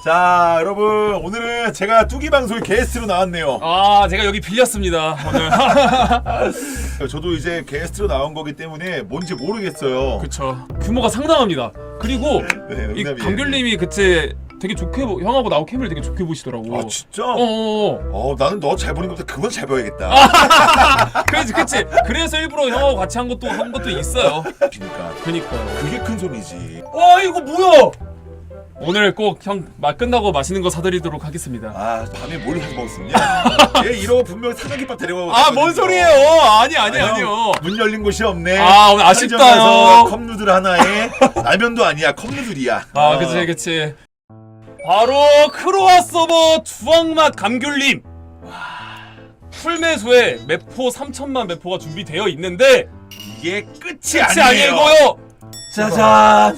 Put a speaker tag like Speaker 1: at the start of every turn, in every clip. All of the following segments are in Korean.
Speaker 1: 자, 여러분 오늘은 제가 뚜기 방송의 게스트로 나왔네요.
Speaker 2: 아, 제가 여기 빌렸습니다 오늘.
Speaker 1: 저도 이제 게스트로 나온 거기 때문에 뭔지 모르겠어요.
Speaker 2: 그쵸. 규모가 상당합니다. 그리고
Speaker 1: 네,
Speaker 2: 이
Speaker 1: 농담이에요.
Speaker 2: 감귤님이 그때 되게 좋게 형하고 나하고 캠을 되게 좋게 보시더라고.
Speaker 1: 아 진짜?
Speaker 2: 어어.
Speaker 1: 나는 너 잘 보는 것보다 그건 잘 봐야겠다.
Speaker 2: 그치. 그래서 일부러 형하고 같이 한 것도 있어요.
Speaker 1: 그러니까
Speaker 2: 그니까.
Speaker 1: 그게 큰 손이지.
Speaker 2: 와, 이거 뭐야? 오늘 꼭 형 끝나고 맛있는 거 사드리도록 하겠습니다.
Speaker 1: 아, 밤에 뭘 사서 먹었었냐? 얘 이러고 분명 삼각김밥 데려가고.
Speaker 2: 아, 뭔 소리예요? 아니요.
Speaker 1: 문 열린 곳이 없네.
Speaker 2: 아, 오늘 아쉽다요.
Speaker 1: 편의점에서 컵누들 하나에 라면도 아니야, 컵누들이야.
Speaker 2: 아, 그치. 바로 크로아 서버 주황맛 감귤님. 풀매수에 매포 3천만 매포가 준비되어 있는데
Speaker 1: 이게 끝이
Speaker 2: 끝이
Speaker 1: 아니에요.
Speaker 2: 아니고요. 짜잔.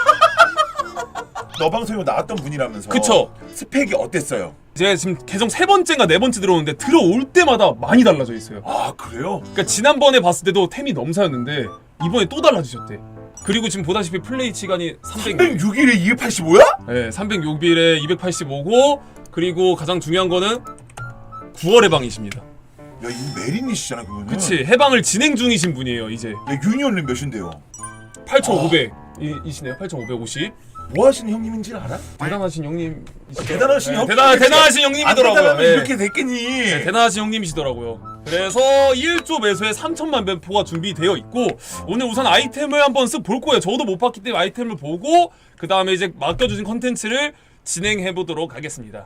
Speaker 1: 너 방송에 나왔던 분이라면서.
Speaker 2: 그쵸.
Speaker 1: 스펙이 어땠어요?
Speaker 2: 제가 지금 계정 3번째인가 4번째 들어오는데 들어올 때마다 많이 달라져 있어요.
Speaker 1: 아, 그래요?
Speaker 2: 그러니까 지난번에 봤을 때도 템이 넘사였는데 이번에 또 달라지셨대. 그리고 지금 보다시피 플레이 시간이
Speaker 1: 306일에 285야?
Speaker 2: 네, 306일에 285고 그리고 가장 중요한 거는 9월 해방이십니다.
Speaker 1: 야, 이거 메린이시잖아, 그거는.
Speaker 2: 그치, 해방을 진행 중이신 분이에요 이제.
Speaker 1: 야, 유니언은 몇인데요?
Speaker 2: 8,500 이시네요. 8,550.
Speaker 1: 뭐 하시는 형님인지는 알아?
Speaker 2: 대단하신 형님.
Speaker 1: 대단하신 형?
Speaker 2: 대단하신 형님이더라고요.
Speaker 1: 안 대단하면
Speaker 2: 네.
Speaker 1: 이렇게 됐겠니?
Speaker 2: 네, 대단하신 형님이시더라고요. 그래서 1조 매수에 3천만 배포가 준비되어 있고 오늘 우선 아이템을 한번 쓱 볼 거예요. 저도 못 봤기 때문에 아이템을 보고 그 다음에 이제 맡겨주신 컨텐츠를 진행해 보도록 하겠습니다.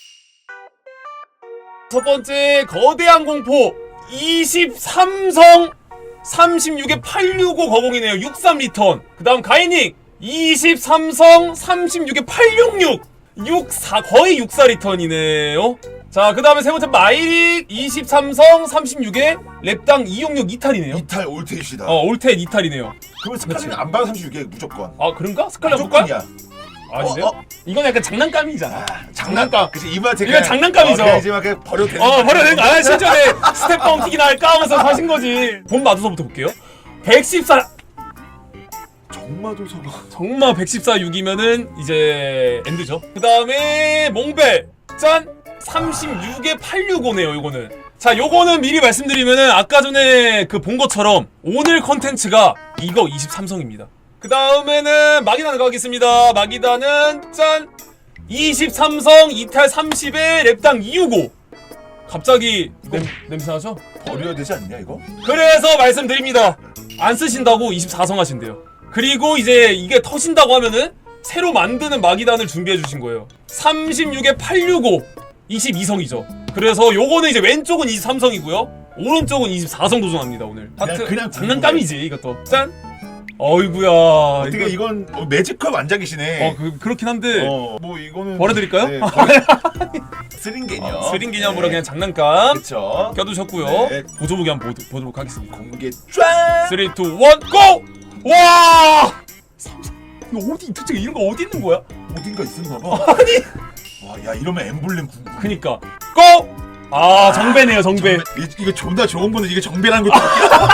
Speaker 2: 첫 번째 거대한 공포 23성 36에 865 거공이네요. 63리턴. 그 다음 가이닝 23성 36에 866 64 거의 64리턴이네요. 자, 그 다음에 세 번째 마이릭 23성 36에 랩당 266 이탈이네요.
Speaker 1: 이탈 올테이시다.
Speaker 2: 올텐 이탈이네요.
Speaker 1: 그러면 스칼렛은
Speaker 2: 그치.
Speaker 1: 안 봐도 36개 무조건.
Speaker 2: 아, 그런가? 스칼렛 볼까?
Speaker 1: 무조건이야.
Speaker 2: 아닌데요? 이건 약간 장난감이잖아. 장난감.
Speaker 1: 그치, 이마 제가.
Speaker 2: 이건 장난감이죠.
Speaker 1: 그냥 이제 막 그냥 버려도 되는.
Speaker 2: 버려야 되는 거 아니야? 진짜 내 스텝 뻥튀기나 할까 하면서 사신 거지. 본 마두서부터 볼게요. 114
Speaker 1: 정마도서가.
Speaker 2: 정말 114-6이면은 이제 엔드죠. 그 다음에 몽벨 짠 36에 865네요. 요거는 자, 요거는 미리 말씀드리면은 아까 전에 그 본 것처럼 오늘 컨텐츠가 이거 23성입니다. 그 다음에는 마기단을 가겠습니다. 마기단은 짠 23성 이탈 30에 랩당 265. 갑자기 냄새나죠?
Speaker 1: 버려야 되지 않냐 이거?
Speaker 2: 그래서 말씀드립니다. 안 쓰신다고 24성 하신대요. 그리고 이제 이게 터진다고 하면은 새로 만드는 마기단을 준비해 주신 거예요. 36에 865 22성이죠. 그래서 요거는 이제 왼쪽은 23성이고요. 오른쪽은 24성 도전합니다 오늘. 하트
Speaker 1: 그냥
Speaker 2: 장난감이지 이것도. 짠. 어이구야.
Speaker 1: 어떻게 이건 매직컵 안장이시네.
Speaker 2: 그렇긴 한데
Speaker 1: 뭐 이거는
Speaker 2: 버려드릴까요?
Speaker 1: 네, 스링 개념.
Speaker 2: 스링 기념으로 그냥 장난감
Speaker 1: 그쵸.
Speaker 2: 껴두셨고요.
Speaker 1: 네.
Speaker 2: 보조무기 한번 보도록 하겠습니다.
Speaker 1: 공개 쫙.
Speaker 2: 3, 2, 1, GO! 와! 이거 어디 도대체 이런 거 어디 있는 거야?
Speaker 1: 어딘가 있었나 봐.
Speaker 2: 아니.
Speaker 1: 와, 야 이러면 엠블렘 궁금.
Speaker 2: 그니까 GO! 아, 정배네요 정배.
Speaker 1: 이거 존나 좋은 거는 이게 정배라는 것도.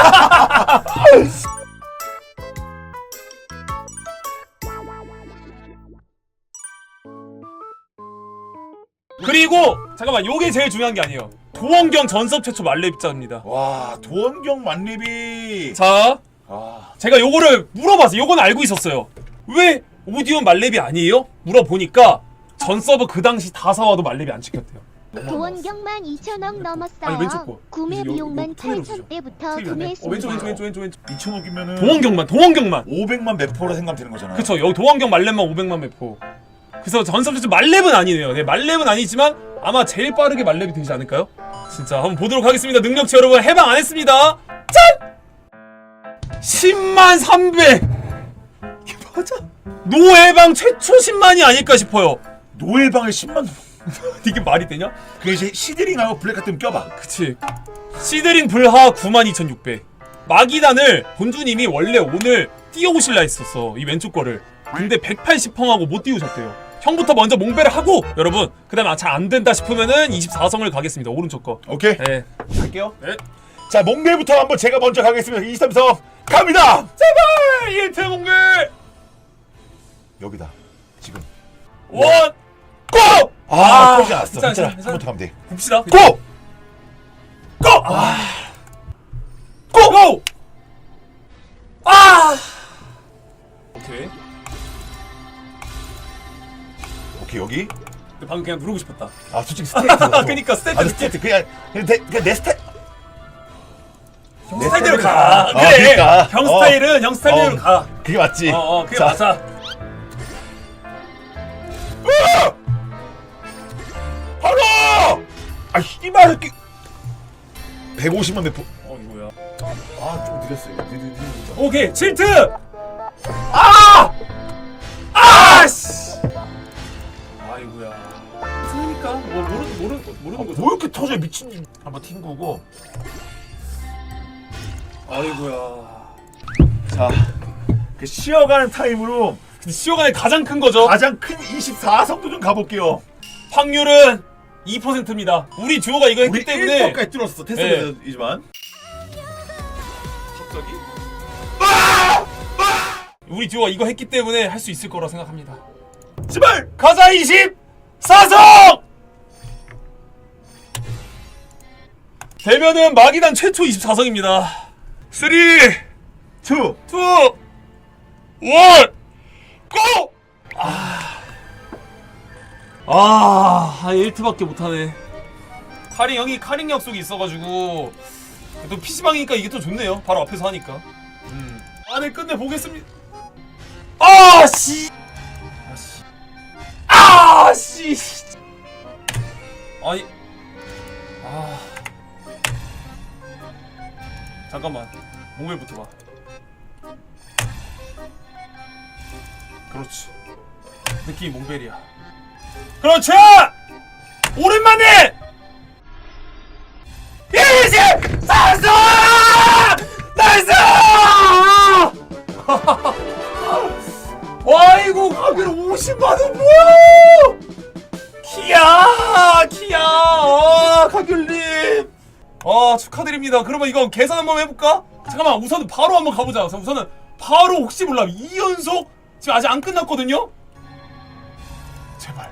Speaker 2: 그리고 잠깐만, 요게 제일 중요한 게 아니에요. 도원경 전섭 최초 만렙자입니다.
Speaker 1: 와, 도원경 만렙이.
Speaker 2: 자,
Speaker 1: 아,
Speaker 2: 제가 요거를 물어봤어요. 요건 알고 있었어요. 왜 오디온 만렙이 아니에요? 물어보니까 전 서버 그 당시 다 사와도 만렙이 안 찍혔대요.
Speaker 3: 도원경만 2,000억 넘었어요.
Speaker 2: 아니, 왼쪽 거.
Speaker 3: 구매
Speaker 2: 요
Speaker 3: 비용만
Speaker 2: 톤으로 주죠.
Speaker 3: 8,000대부터
Speaker 2: 왼쪽
Speaker 3: 구매했습니다.
Speaker 2: 왼쪽
Speaker 1: 2,000억이면은
Speaker 2: 도원경만
Speaker 1: 500만 매포로 생각하면 되는 거잖아.
Speaker 2: 그쵸. 여기 도원경 만렙만 500만 매포. 그래서 전섭 최초 만렙은 아니네요. 네, 만렙은 아니지만 아마 제일 빠르게 만렙이 되지 않을까요? 진짜 한번 보도록 하겠습니다. 능력치 여러분 해방 안 했습니다. 짠! 10만 300. 이게 맞아? 노해방 최초 10만이 아닐까 싶어요.
Speaker 1: 노예방을 10만.
Speaker 2: 이게 말이 되냐?
Speaker 1: 그 이제 시드링하고 블랙 같은 껴봐.
Speaker 2: 그치. 시드링 불하 92,600. 마기단을 본주님이 원래 오늘 띄워오실라 했었어. 이 왼쪽 거를. 근데 180펑하고 못 띄우셨대요. 형부터 먼저 몽배를 하고 여러분, 그 다음에 잘 안된다 싶으면은 24성을 가겠습니다. 오른쪽 거.
Speaker 1: 오케이.
Speaker 2: 네.
Speaker 1: 갈게요.
Speaker 2: 네.
Speaker 1: 자, 몽배부터 한번 제가 먼저 가겠습니다. 23성 갑니다.
Speaker 2: 제발 1태 몽배.
Speaker 1: 여기다. 지금.
Speaker 2: 원
Speaker 1: 터지지 않았어.
Speaker 2: 괜찮아,
Speaker 1: 괜찮아.
Speaker 2: 괜찮아.
Speaker 1: 한번 더 가면 돼.
Speaker 2: 봅시다.
Speaker 1: 고!
Speaker 2: 고! 고! 아! 오케이.
Speaker 1: 오케이 여기.
Speaker 2: 방금 그냥 누르고 싶었다.
Speaker 1: 아 솔직히 스테이트.
Speaker 2: 그니까 스테이트.
Speaker 1: 아 스테이트 그냥 내 스타일.
Speaker 2: 형 스타일대로 가. 그래.
Speaker 1: 그러니까.
Speaker 2: 형 스타일은 형 스타일대로 가.
Speaker 1: 그게 맞지.
Speaker 2: 그게
Speaker 1: 자.
Speaker 2: 맞아.
Speaker 1: 바로! 아 이말 이렇게 150만 몇 분.
Speaker 2: 이거야.
Speaker 1: 아좀 느렸어요.
Speaker 2: 오케이, 칠트! 씨! 아이고야. 그러니까, 뭐, 모르는 거죠.
Speaker 1: 뭐 이렇게 터져 미친. 한번 튕구고.
Speaker 2: 아이고야.
Speaker 1: 자, 그 쉬어가는 타임으로
Speaker 2: 근데 시어간의 가장 큰 거죠.
Speaker 1: 가장 큰 24성도 좀 가볼게요.
Speaker 2: 확률은 2%입니다. 우리 듀오가 이거 했기
Speaker 1: 우리
Speaker 2: 때문에.
Speaker 1: 1%까지 뚫었어. 테스트이지만.
Speaker 2: 갑자기? 우리 듀오가 이거 했기 때문에 할 수 있을 거라 생각합니다.
Speaker 1: 제발!
Speaker 2: 가자 24성! 되면은 마기단 최초 24성입니다. 3, 2, 1,
Speaker 1: 2!
Speaker 2: 고! 한 1트밖에 못하네. 형이 카링 약속이 있어가지고 또 PC방이니까 이게 또 좋네요. 바로 앞에서 하니까. 네, 끝내 보겠습니다. 아니, 잠깐만. 몽벨부터 봐. 그렇지. 느낌이 몽벨이야. 그렇지! 오랜만에! 24성! 나이스! 와이고, 가게로 50만원 뭐야! 키야! 가귤님! 축하드립니다. 그러면 이거 계산 한번 해볼까? 잠깐만, 우선은 바로 한번 가보자. 우선은 바로 혹시 몰라. 2연속? 지금 아직 안 끝났거든요? 제발.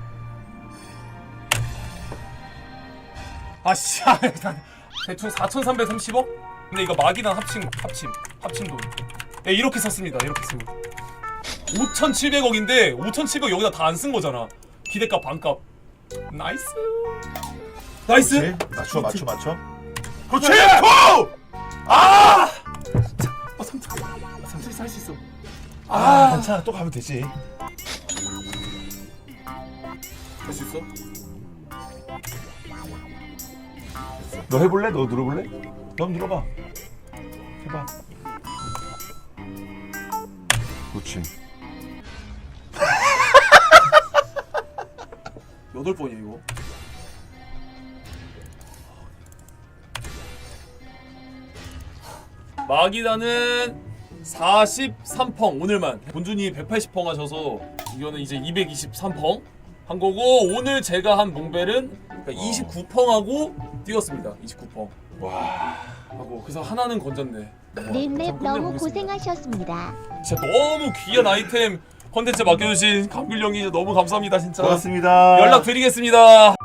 Speaker 2: 대충 4,330억? 근데 이거 마기단 합친 돈. 예, 이렇게 썼습니다. 이렇게 쓰고 5,700억인데 5,700억 여기다 다 안 쓴 거잖아. 기대값 반값. 나이스.
Speaker 1: 그렇지. 맞춰. 그렇지! 고!
Speaker 2: 삼촌이 살 수 있어.
Speaker 1: 괜찮아. 또 가면 되지.
Speaker 2: 할 수 있어?
Speaker 1: 너 해볼래? 너 눌러볼래? 너 한번 눌러봐. 해봐. 그렇지.
Speaker 2: 8번이야 이거. 마기단은 43펑 오늘만. 본준이 180펑 하셔서 이거는 이제 223펑 한 거고, 오늘 제가 한 몽벨은 29펑하고 뛰었습니다. 29펑.
Speaker 1: 와.
Speaker 2: 하고 그래서 하나는 건졌네.
Speaker 3: 넷맵 너무 고생하셨습니다.
Speaker 2: 진짜 너무 귀한 아이템 컨텐츠 맡겨주신 감귤 형이 너무 감사합니다 진짜.
Speaker 1: 고맙습니다.
Speaker 2: 연락 드리겠습니다.